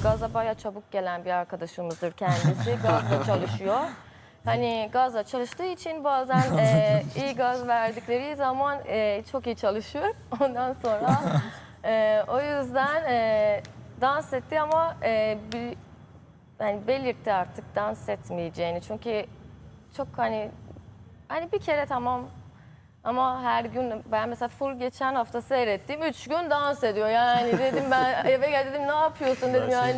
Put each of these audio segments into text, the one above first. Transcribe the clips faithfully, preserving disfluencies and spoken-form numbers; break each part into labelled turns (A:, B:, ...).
A: gaza bayağı çabuk gelen bir arkadaşımızdır kendisi. Gazla çalışıyor. Hani gazla çalıştığı için bazen e, iyi gaz verdikleri zaman e, çok iyi çalışıyor. Ondan sonra e, o yüzden e, dans etti ama e, bir, yani belirtti artık dans etmeyeceğini. Çünkü çok hani hani bir kere tamam ama her gün ben mesela full geçen hafta seyrettim. Üç gün dans ediyor yani dedim ben eve gel dedim ne yapıyorsun dedim yani.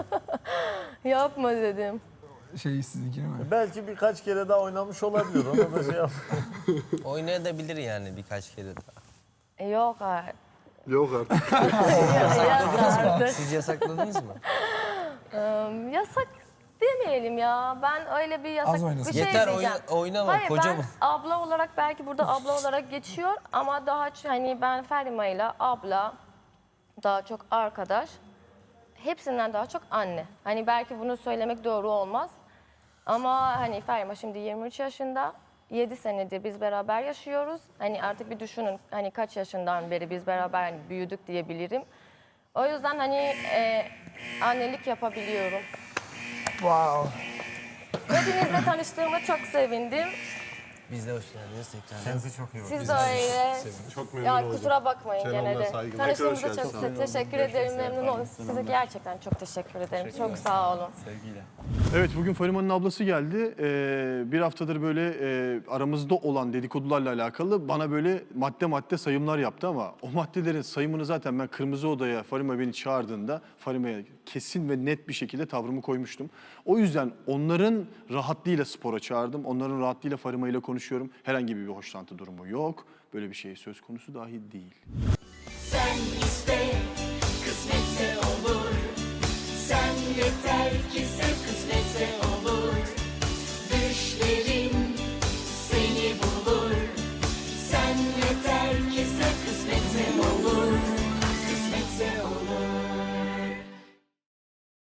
A: Yapma dedim.
B: Şey sizinki mi?
C: Belki birkaç kere daha oynamış olabilir. Ona da şey yap.
D: Oynayabilir yani birkaç kere daha.
A: E, Yok artık.
E: Yok artık.
A: Yok artık.
D: Siz yasakladınız mı?
A: Im, Yasak demeyelim ya. Ben öyle bir yasak
B: Az oynasın.
A: bir şey
D: Yeter
A: diyeceğim.
D: oyna, oynama
A: Hayır
D: kocaman.
A: ben abla olarak belki burada abla olarak geçiyor ama daha ç- hani ben Ferima ile abla daha çok arkadaş. Hepsinden daha çok anne. Hani belki bunu söylemek doğru olmaz. Ama hani Ferima şimdi yirmi üç yaşında. yedi senedir biz beraber yaşıyoruz. Hani artık bir düşünün hani kaç yaşından beri biz beraber hani büyüdük diyebilirim. O yüzden hani e, annelik yapabiliyorum.
B: Wow.
A: Hepinizle tanıştığıma çok sevindim.
D: Biz de hoş geldiniz tekrar.
C: Kendisi çok iyi bak.
A: Siz de öyle.
E: Çok memnun
A: Ya
E: oldum.
A: kusura bakmayın gene
E: Kenan'la
A: de.
E: saygılar.
A: Tanıştığımıza
E: Tekrar
A: çok
E: hoş geldin.
A: te- teşekkür ederim. Memnun oldum. Size gerçekten çok teşekkür ederim. Çok sağ olun.
F: Evet, bugün Farima'nın ablası geldi. Ee, bir haftadır böyle e, aramızda olan dedikodularla alakalı bana böyle madde madde sayımlar yaptı ama o maddelerin sayımını zaten ben Kırmızı Oda'ya Farima beni çağırdığında Farima'ya kesin ve net bir şekilde tavrımı koymuştum. O yüzden onların rahatlığıyla spora çağırdım. Onların rahatlığıyla Farima ile konuşuyorum. Herhangi bir hoşlantı durumu yok. Böyle bir şey söz konusu dahi değil.
G: Sen iste, kısmetse olur. Sen yeter ki sev, kısmetse olur.